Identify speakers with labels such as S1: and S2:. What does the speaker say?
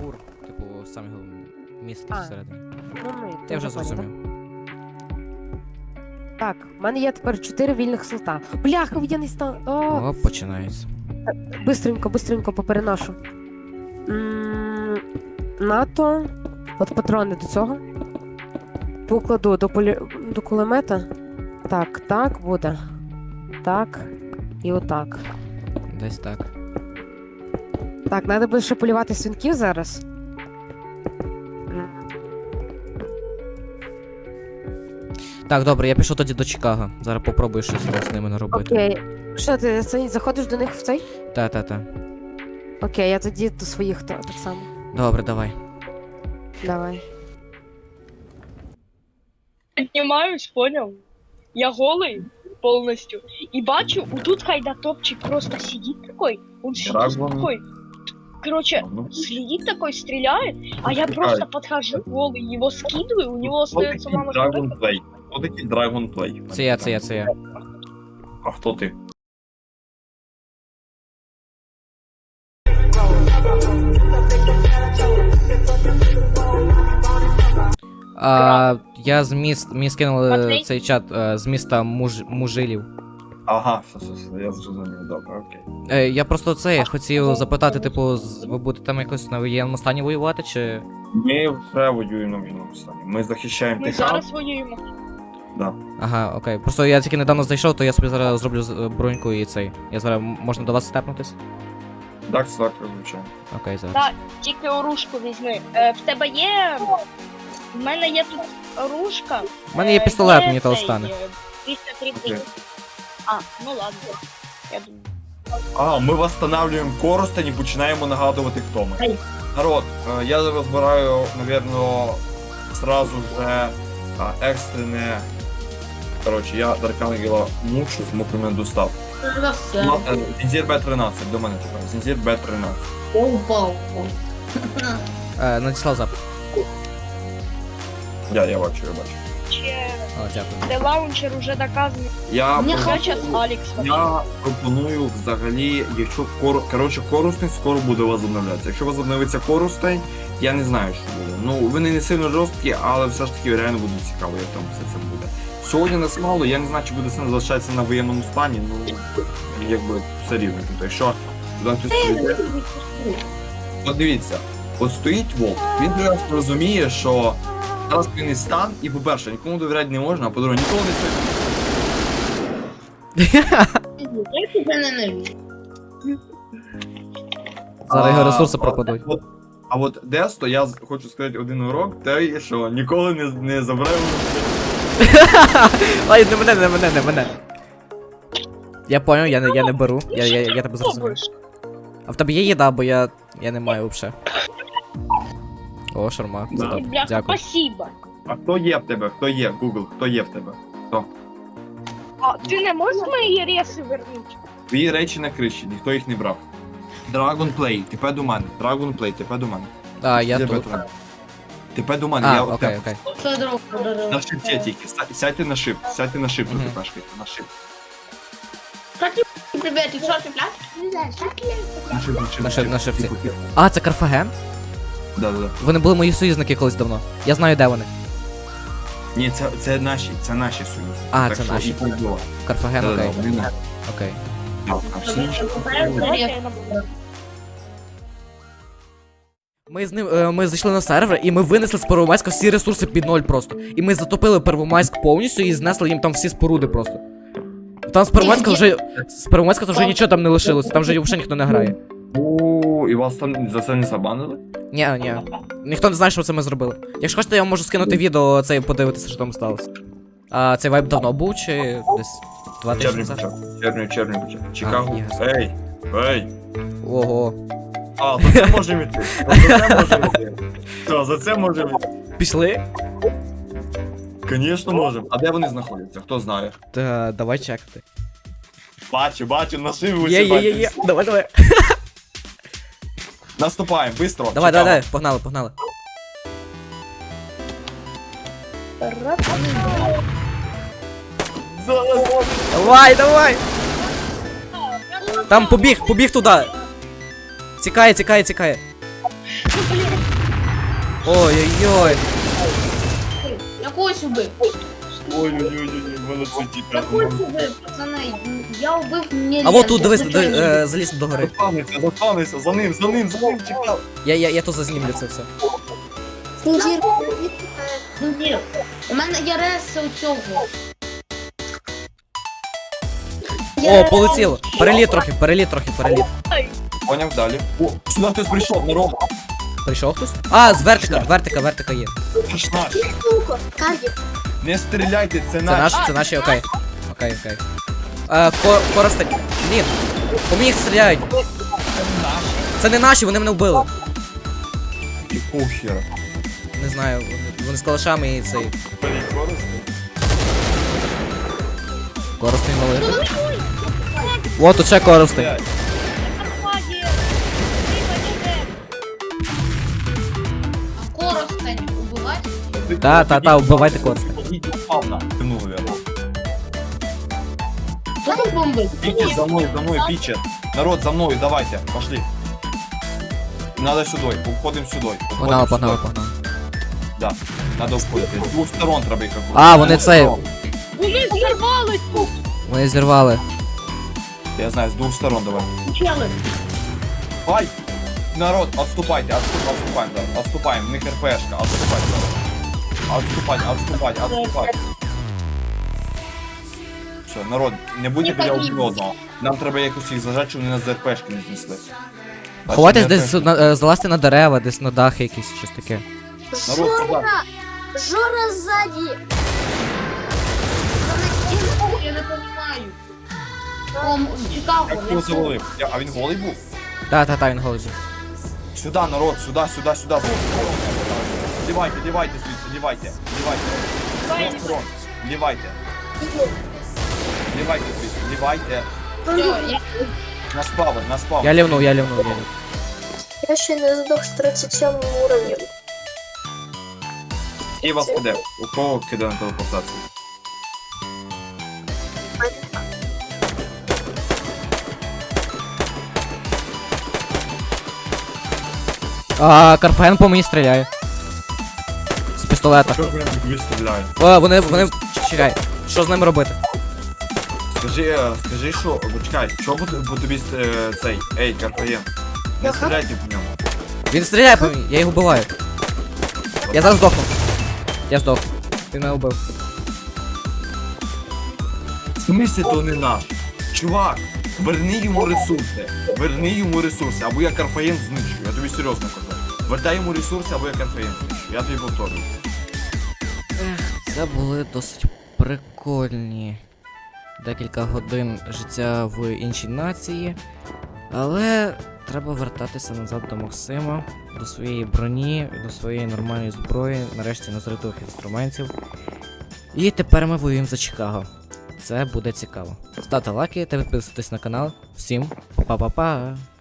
S1: бур, типу, сам його містить
S2: А.
S1: всередині.
S2: Ну,
S1: Я вже
S2: поняла.
S1: зрозумів.
S2: Так, в мене є тепер 4 вільних слота. Бляха, я не стан. О,
S1: О, починається.
S2: бистренько попереношу. НАТО. От патрони до цього. Покладу до кулемета. Так буде. Так. І отак.
S1: Десь так.
S2: Так, треба буде ще полювати свинків зараз.
S1: Так, добре, я пішов тоді до Чикаго. Зараз попробую щось з ними наробити.
S2: Окей. Що, ти заходиш до них в цей?
S1: Та.
S2: Окей, я тоді до своїх так само.
S1: Добре, давай.
S2: Давай.
S3: Поднимаюсь, понял? Я голый полностью. И бачу, вот тут Хайда топчик просто сидит такой. Он сидит
S4: Драгон.
S3: такой. Короче,
S4: Ну,
S3: следит такой, стреляет, а я
S4: Чекай.
S3: просто подхожу голый, его скидываю, у него
S4: Хто
S3: остается
S4: такий
S3: мало
S4: Dragon Play? Хто такий Dragon Play?
S1: Це я.
S4: А хто ти?
S1: Я мені скинули
S3: Матвій?
S1: цей чат з міста Мужилів.
S4: Ага, все, я зрозумів, добре, окей.
S1: Я просто це хотів запитати, типу, ви будете там якось на воєнному стані воювати, чи.
S4: Ми вже воюємо на війному стані. Ми захищаємо
S3: Мы
S4: Техас.
S3: зараз воюємо.
S1: Ага, окей. Просто я тільки недавно зайшов, то я собі зараз зроблю броньку і цей. Я зараз можна до вас степнутись?
S4: Так, звичайно.
S1: Окей, зараз.
S3: Так, тільки оружку візьми. В тебе є. В мене є тут оружка.
S1: У мене є пістолет,
S3: є
S1: мені того
S3: цей,
S1: стане.
S3: 330.
S4: Окей.
S3: А, ну ладно. Я думаю.
S4: А, ми восстанавливаємо Коростень і починаємо нагадувати, хто ми.
S3: Ай.
S4: Народ, я розбираю, навірно, сразу же екстрене. Коротше, я Даркангела мушу з мокрими достав. Зінзір Б-13, до мене тепер. Зінзір Б-13.
S5: Я упал.
S1: Надіслав запит.
S4: Я бачу.
S3: Ще
S1: О, дякую.
S3: де лаунчер уже доказаний.
S4: Я
S5: Мені
S4: пропоную-
S3: Зараз Алекс.
S4: Я пропоную взагалі, якщо Коростень скоро буде возобновлятися. Якщо возобновиться Коростень, я не знаю, що буде. Ну, вони не сильно жорсткі, але все ж таки реально буде цікаво, як там все це буде. Сьогодні нас мало, я не знаю, чи буде сенс залишатися на воєнному стані, ну, якби все рівно. Тобто, якщо туди хтось прийде, от дивіться, от стоїть Волк, він прекрасно розуміє, що зараз воєнний стан, і по-перше, нікому довіряти не можна, а по-друге, ніколи не стоїть.
S5: Я тебя ненавижу.
S1: Зараз його
S4: А,
S1: ресурси пропадуть.
S4: А от Десто, я хочу сказати один урок, те, що ніколи не забирай.
S1: Ай, не мене. Я понял, я не беру. Я тебе зрозумів.
S3: Пробуєш.
S1: А в тебе є їда, бо я не маю взагалі. О, шарма.
S4: Да.
S1: Це добре.
S3: Бляха,
S1: Дякую.
S3: спасибо.
S4: А хто є в тебе? Хто є? Google, хто є в тебе?
S3: А ти не можеш мої реси вернути?
S4: Твої речі на криші, ніхто їх не брав. Dragon Play, тепе до мене. Dragon Play, тепе до мене.
S1: А, я
S4: Де
S1: тут.
S4: Бетмен? Тепе до мене,
S1: А,
S4: я
S1: окей.
S5: Что друг подарил?
S4: На шипці тільки. Сядьте на шип,
S1: Мгм.
S4: тут тепешкайте, на шип.
S5: Ребят, ты что, ты
S1: На шипці. А, це Карфаген?
S4: Да.
S1: Вони були мої союзники колись давно. Я знаю, де вони.
S4: Ні, це наші союзи.
S1: А,
S4: Так
S1: це
S4: що
S1: наші.
S4: і побудова.
S1: Карфаген, окей.
S4: Вони наші.
S1: Окей.
S4: Так, а всі інші.
S3: Давайте я набуду.
S1: Ми зайшли на сервер і ми винесли з Первомайська всі ресурси під ноль просто. І ми затопили Первомайськ повністю і знесли їм там всі споруди просто. Там з Первомайська вже нічого там не лишилося, там вже взагалі ніхто не грає.
S4: О, і вас там за це не забанили?
S1: Ні. Ніхто не знає, що це ми зробили. Якщо хочете, я вам можу скинути відео це і подивитися, що там сталося. А цей вайп давно був чи десь 2 тижні
S4: Червень
S1: назад?
S4: почав. Червень почав. Чикаго.
S1: ясно.
S4: Ей!
S1: Ого.
S4: А, за це можемо йти. За це можемо йти. Що, за це можемо йти?
S1: Пішли?
S4: Звісно, можемо. А де вони знаходяться? Хто знає?
S1: Та давай чекати.
S4: Бачу, на шиву
S1: Є. Давай.
S4: Наступаємо, быстро.
S1: Давай, погнали. Давай! Там побіг туди. Тікає.
S3: Ну, блін.
S1: Ой-ой-ой.
S5: Я когось убив.
S4: Ой-ой-ой, молодці,
S5: Я
S4: діти.
S5: когось убив, пацани. Я убив мені.
S1: А вот тут, дивись, заліз до гори.
S4: Застанеться, за ним, чекав.
S1: Я тут зазнімлю це все.
S5: Ні. У мене є рес у цього.
S1: О, полетіло. Переліт трохи.
S4: Поняв далі. О, сюди хтось прийшов, народ.
S1: Прийшов хтось? А, з вертика є.
S4: Це ж наш. Не стріляйте, це наш.
S1: Це наші, окей. Окей. Коростень. Блін. По мені їх стріляють. Це не наші, вони мене вбили.
S4: Якого хера?
S1: Не знаю, вони з калашами і цей. Коростень валити. О, тут ще коростень.
S3: Карпаді.
S5: А коростень убивати?
S1: Та, вбивайте коростень.
S4: Упав на. Ну, наверное.
S5: Хто тут бомбить?
S4: Пічет, за мною, пічет. Народ, за мною, давайте, пошли. Надо сюди, уходимо сюди.
S1: Погнали.
S4: Да, надо входити. З двох сторон треба їх обходити.
S1: А, вони цей.
S3: Вони зірвались тут.
S1: Вони зірвали.
S4: Я знаю, з двох сторон давай.
S5: Чели.
S4: Ай! Народ, отступайте, отступаем, да. Отступаем, в них РПшка, отступать, да. Отступать. Все, народ, не будьте біля один одного. Нам треба якось їх зажати, щоб вони нас з РПшки не знесли. Бачите,
S1: Ховайтесь
S4: не
S1: десь,
S4: РПшки.
S1: залазьте на дерева, десь на дахи якісь, щось таке.
S4: Народ, сюди.
S6: Жора сзади!
S5: Я не розумію. Чикаго.
S4: Як його завалив? А він голий був?
S1: Та, він голий.
S4: Сюди, народ, сюди. Лівайте звідси, лівайте. З двох сторон. Лівайте звідси, лівайте. На спавн.
S1: Я лівнув.
S6: Я ще не здох з 37 уровнем.
S4: І вас киде. У кого киде на телепортацію?
S1: А, Карфаген по мені стріляє. З пістолета.
S4: Що ж вони тобі стріляють?
S1: О, вони. Чекай, що з ними робити?
S4: Скажи, що, чекай, що бо тобі цей, ей, Карфаєн, не стріляйте по ньому.
S1: Він стріляє по мені, я його вбиваю. Я зараз здохну. Я здох. Він мене вбив.
S4: В смислі то не наш? Чувак, верни йому ресурси, або я Карфаєн знищу, я тобі серйозно кажу. Вертай йому ресурси, або я Карфаєн знищу, я тобі повторюю.
S1: Це були досить прикольні декілька годин життя в іншій нації. Але треба вертатися назад до Максима, до своєї броні, до своєї нормальної зброї, нарешті назритих інструментів. І тепер ми воюємо за Чикаго. Це буде цікаво. Ставте лайки та підписуйтесь на канал. Всім па-па-па!